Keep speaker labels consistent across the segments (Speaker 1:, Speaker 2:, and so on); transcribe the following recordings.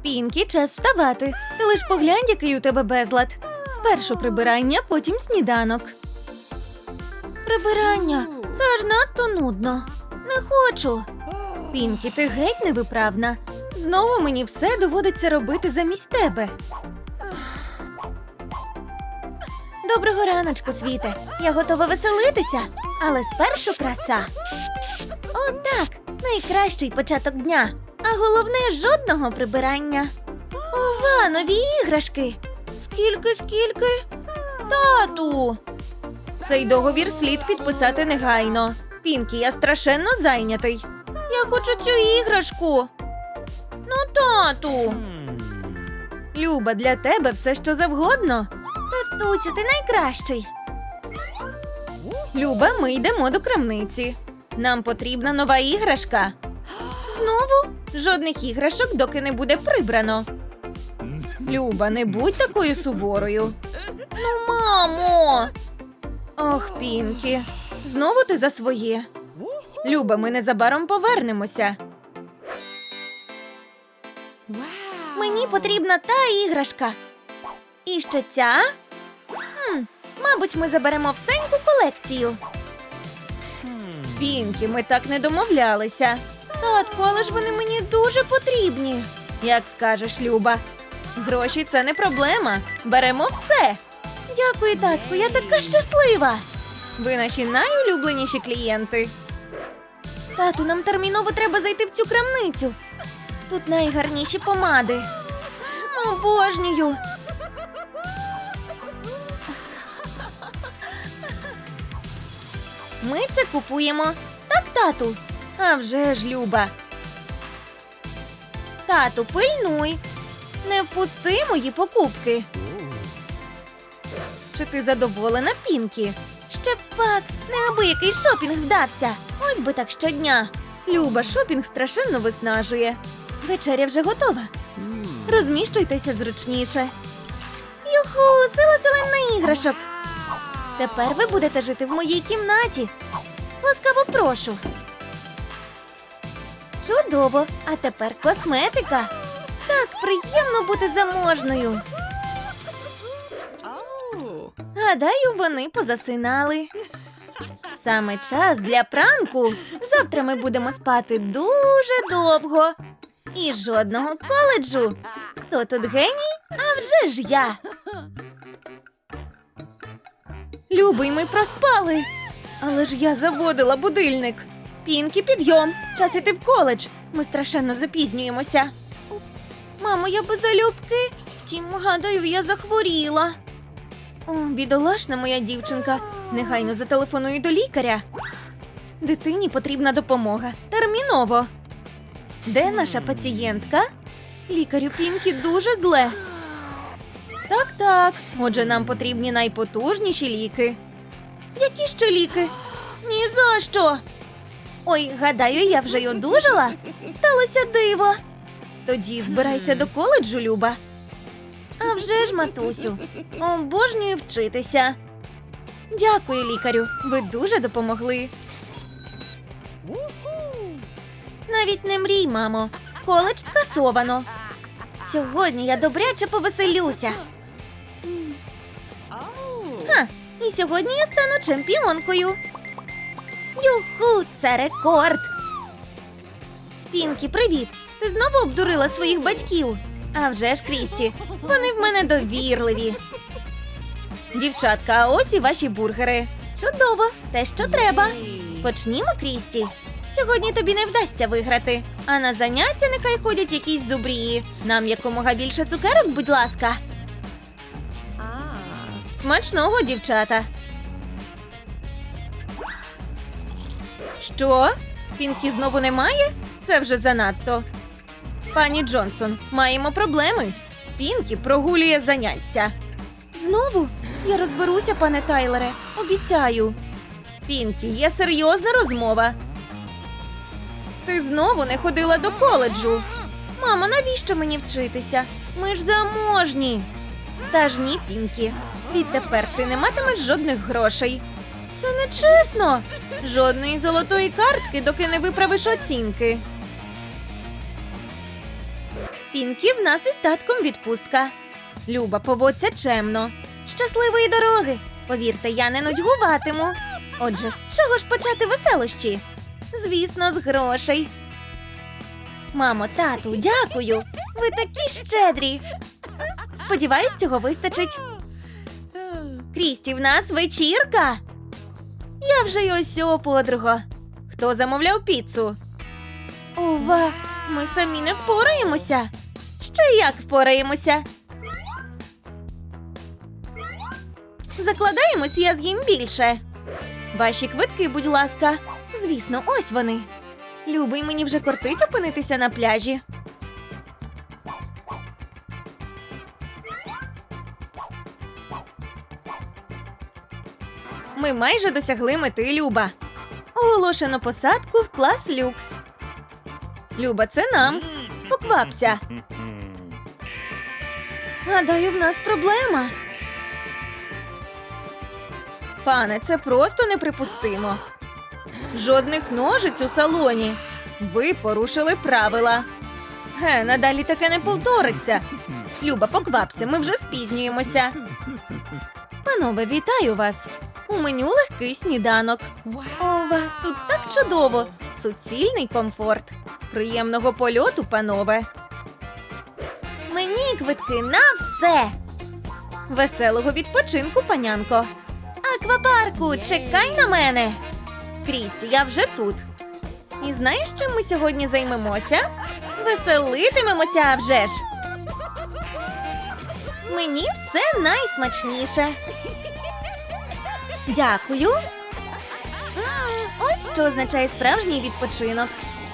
Speaker 1: Пінкі, час вставати. Ти лиш поглянь, який у тебе безлад. Спершу прибирання, потім сніданок. Прибирання? Це аж надто нудно. Не хочу. Пінкі, ти геть невиправна. Знову мені все доводиться робити замість тебе. Доброго раночку, світе. Я готова веселитися, але спершу краса. О, так, найкращий початок дня. А головне, жодного прибирання. Ова, нові іграшки. Скільки? Тату! Цей договір слід підписати негайно. Пінкі, я страшенно зайнятий. Я хочу цю іграшку. Ну, тату. Люба, для тебе все, що завгодно. Татусю, ти найкращий. Люба, ми йдемо до крамниці. Нам потрібна нова іграшка. Знову? Жодних іграшок, доки не буде прибрано. Люба, не будь такою суворою. Ну, мамо! Ох, Пінкі, знову ти за своє. Люба, ми незабаром повернемося. Мені потрібна та іграшка. І ще ця? Мабуть, ми заберемо всеньку колекцію. Пінкі, ми так не домовлялися. Татку, але ж вони мені дуже потрібні. Як скажеш, Люба. Гроші – це не проблема. Беремо все. Дякую, татку, я така щаслива. Ви наші найулюбленіші клієнти. Тату, нам терміново треба зайти в цю крамницю. Тут найгарніші помади. Обожнюю. Ми це купуємо. Так, тату? А вже ж, Люба. Тату, пильнуй. Не впусти мої покупки. Чи ти задоволена, Пінкі? Ще пак, неабиякий шопінг вдався. Ось би так щодня. Люба, шопінг страшенно виснажує. Вечеря вже готова. Розміщуйтеся зручніше. Юху, сила селена іграшок. Тепер ви будете жити в моїй кімнаті. Ласкаво прошу. Чудово, а тепер косметика. Так приємно бути заможною. Гадаю, вони позасинали. Саме час для пранку. Завтра ми будемо спати дуже довго. І жодного коледжу. Хто тут геній? А вже ж я. Любий, ми проспали. Але ж я заводила будильник. Пінкі, підйом. Час іти в коледж. Ми страшенно запізнюємося. Мамо, я без залюбки. Втім, гадаю, я захворіла. О, бідолашна моя дівчинка. Негайно зателефоную до лікаря. Дитині потрібна допомога. Терміново. Де наша пацієнтка? Лікарю, Пінкі дуже зле. Так. Отже, нам потрібні найпотужніші ліки. Які ще ліки? Ні за що. Ой, гадаю, я вже й одужала. Сталося диво. Тоді збирайся до коледжу, Люба. А вже ж, матусю. Обожнюю вчитися. Дякую, лікарю. Ви дуже допомогли. Навіть не мрій, мамо. Коледж скасовано. Сьогодні я добряче повеселюся. І сьогодні я стану чемпіонкою. Юху, це рекорд. Пінкі, привіт. Ти знову обдурила своїх батьків? А вже ж, Крісті, вони в мене довірливі. Дівчатка, а ось і ваші бургери. Чудово, те, що треба. Почнімо, Крісті. Сьогодні тобі не вдасться виграти. А на заняття нехай ходять якісь зубрії. Нам якомога більше цукерок, будь ласка. Смачного, дівчата. Що? Пінкі знову немає? Це вже занадто. Пані Джонсон, маємо проблеми. Пінкі прогулює заняття. Знову? Я розберуся, пане Тайлере. Обіцяю. Пінкі, є серйозна розмова. Ти знову не ходила до коледжу. Мамо, навіщо мені вчитися? Ми ж заможні. Та ж ні, Пінкі. Відтепер ти не матимеш жодних грошей. Це нечесно. Жодної золотої картки, доки не виправиш оцінки. Пінкі, в нас із татком відпустка. Люба, поводься чемно. Щасливої дороги! Повірте, я не нудьгуватиму. Отже, з чого ж почати веселощі? Звісно, з грошей. Мамо, тату, дякую! Ви такі щедрі! Сподіваюсь, цього вистачить. Крісті, в нас вечірка! Я вже й ось, подруга. Хто замовляв піцу? Ова, ми самі не впораємося. Ще як впораємося? Закладаємось, я з'їм більше. Ваші квитки, будь ласка. Звісно, ось вони. Любий, мені вже кортить опинитися на пляжі. Ми майже досягли мети, Люба. Оголошено посадку в клас люкс. Люба, це нам. Поквапся. Гадаю, в нас проблема. Пане, це просто неприпустимо. Жодних ножиць у салоні. Ви порушили правила. Надалі таке не повториться. Люба, поквапся, ми вже спізнюємося. Панове, вітаю вас. У меню легкий сніданок. Ова, тут так чудово. Суцільний комфорт. Приємного польоту, панове. Мені квитки на все. Веселого відпочинку, панянко. Аквапарку, чекай на мене. Крісті, я вже тут. І знаєш, чим ми сьогодні займемося? Веселитимемося, а вже ж. Мені все найсмачніше. Дякую. Ось що означає справжній відпочинок.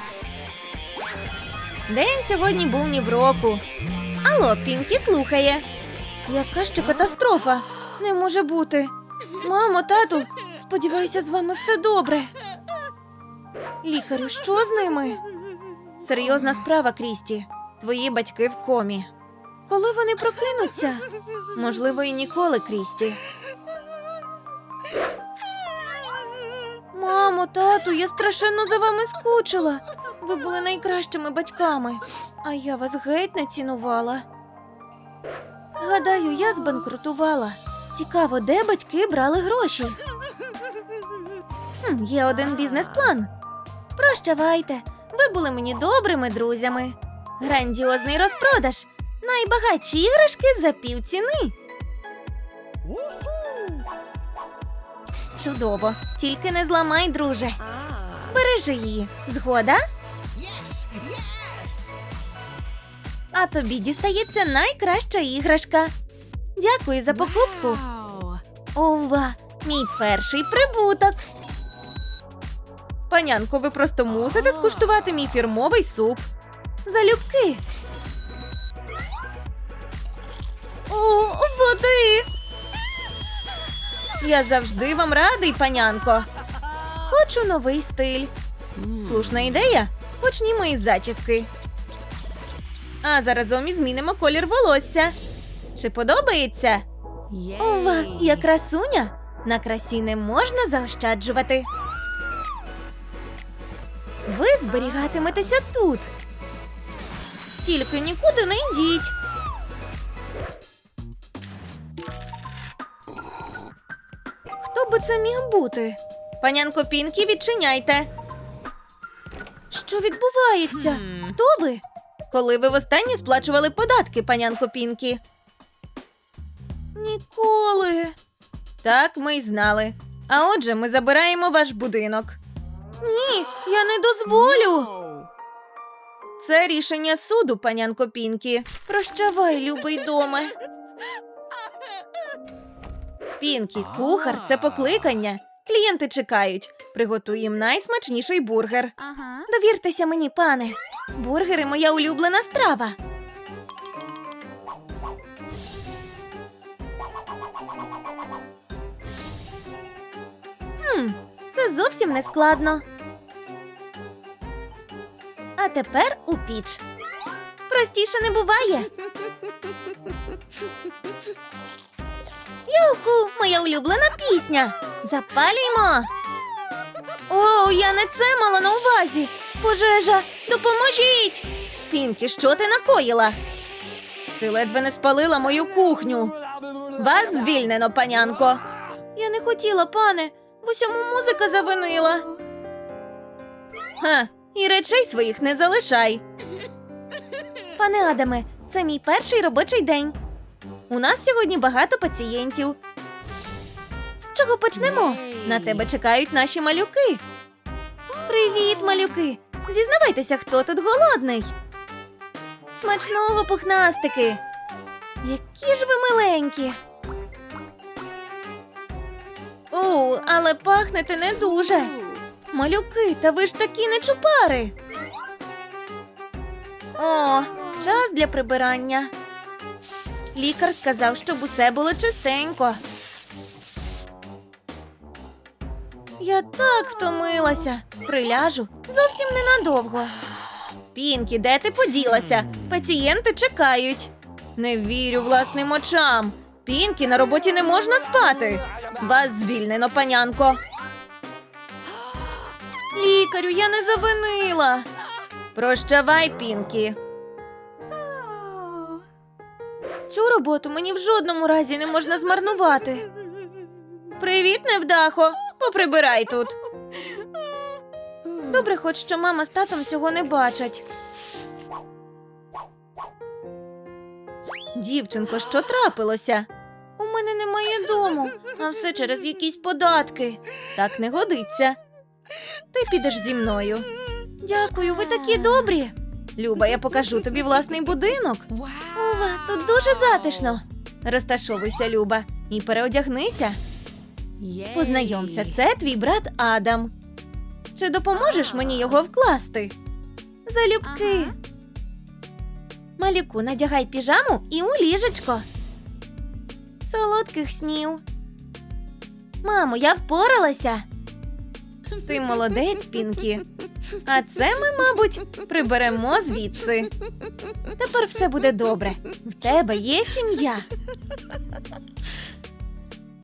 Speaker 1: День сьогодні був ні в року. Алло, Пінкі слухає. Яка ще катастрофа? Не може бути. Мамо, тату, сподіваюся, з вами все добре. Лікарю, що з ними? Серйозна справа, Крісті. Твої батьки в комі. Коли вони прокинуться? Можливо, і ніколи, Крісті. Мамо, тату, я страшенно за вами скучила. Ви були найкращими батьками, а я вас геть не цінувала. Гадаю, я збанкрутувала. Цікаво, де батьки брали гроші? Є один бізнес-план. Прощавайте, ви були мені добрими друзями. Грандіозний розпродаж. Найбагатші іграшки за півціни. Чудово. Тільки не зламай, друже. Бережи її. Згода? А тобі дістається найкраща іграшка. Дякую за покупку. Ова, мій перший прибуток. Панянко, ви просто мусите скуштувати мій фірмовий суп. Залюбки. О, води! Я завжди вам радий, панянко. Хочу новий стиль. Слушна ідея. Почнімо із зачіски. А заразом і змінимо колір волосся. Чи подобається? Ова, я красуня. На красі не можна заощаджувати. Ви зберігатиметеся тут. Тільки нікуди не йдіть. Хто би це міг бути? Панянко Пінкі, відчиняйте. Що відбувається? Хто ви? Коли ви востаннє сплачували податки, панянко Пінкі? Ніколи. Так, ми й знали. А отже, ми забираємо ваш будинок. Ні, я не дозволю. Це рішення суду, панянко Пінкі. Прощавай, любий доме. Пінкі, кухар – це покликання. Клієнти чекають. Приготуй їм найсмачніший бургер. Довіртеся мені, пане. Бургери – моя улюблена страва. Це зовсім не складно. А тепер у піч. Простіше не буває. Юху, моя улюблена пісня. Запалюймо. О, я не це мала на увазі. Пожежа, допоможіть. Пінкі, що ти накоїла? Ти ледве не спалила мою кухню. Вас звільнено, панянко. Я не хотіла, пане. В усьому музика завинила. Ха, і речей своїх не залишай. Пане Адаме, це мій перший робочий день. У нас сьогодні багато пацієнтів. З чого почнемо? На тебе чекають наші малюки. Привіт, малюки! Зізнавайтеся, хто тут голодний. Смачного, пухнастики! Які ж ви миленькі! О, але пахнете не дуже. Малюки, та ви ж такі нечупари. О, час для прибирання. Лікар сказав, щоб усе було чистенько. Я так втомилася. Приляжу зовсім ненадовго. Пінкі, де ти поділася? Пацієнти чекають. Не вірю власним очам. Пінкі, на роботі не можна спати. Вас звільнено, панянко. Лікарю, я не завинила. Прощавай, Пінкі. Цю роботу мені в жодному разі не можна змарнувати. Привіт, невдахо. Поприбирай тут. Добре, хоч що мама з татом цього не бачать. Дівчинко, що трапилося? У мене немає дому, а все через якісь податки. Так не годиться. Ти підеш зі мною. Дякую, ви такі добрі. Люба, я покажу тобі власний будинок. Ова, тут дуже затишно. Розташовуйся, Люба, і переодягнися. Познайомся, це твій брат Адам. Чи допоможеш мені його вкласти? Залюбки. Малюку, надягай піжаму і у ліжечко. Солодких снів. Мамо, я впоралася. Ти молодець, Пінкі. А це ми, мабуть, приберемо звідси. Тепер все буде добре. В тебе є сім'я.